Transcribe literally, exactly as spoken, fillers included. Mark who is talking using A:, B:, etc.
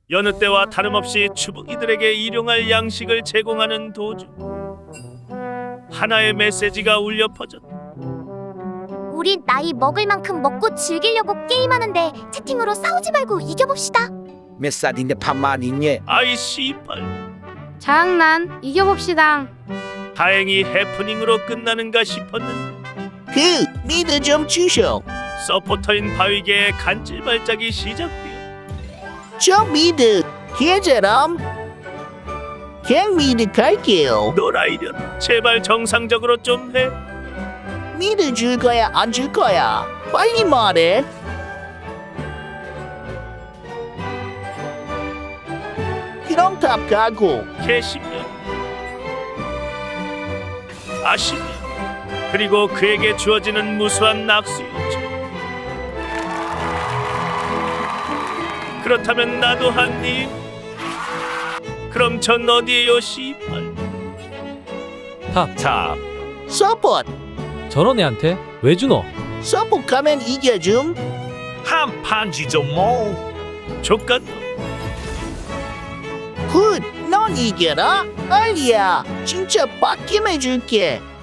A: 여느 때와 다름없이 추부이들에게 일용할 양식을 제공하는 도중 하나의 메시지가 울려 퍼졌다.
B: 우린 나이 먹을 만큼 먹고 즐기려고 게임하는데 채팅으로 싸우지 말고 이겨봅시다.
C: 몇 살인데 반말 있니?
A: 아이 씨발.
D: 장난 이겨봅시다.
A: 다행히 해프닝으로 끝나는가 싶었는데
C: 그 미드 좀 주쇼.
A: 서포터인 바위개의 간질 발작이 시작되어
C: 저 미드 계절함. 그냥 미드 갈게요.
A: 너라이려나 제발 정상적으로 좀 해.
C: 미드 줄 거야 안 줄 거야? 빨리 말해. 그럼 탑 가고.
A: 개십년 아십년 그리고 그에게 주어지는 무수한 낙수였죠. 그렇다면 나도 한입. 그럼 전 어디에요 씨발.
E: 탑
A: 탑.
C: 서포트.
E: 저런 애한테 왜 주노?
C: 서포트 가면 이겨줌.
A: 한 판지 좀 뭐. 족같.
C: 굿. 넌 이겨라. 알리야. 진짜 빡김 해줄게.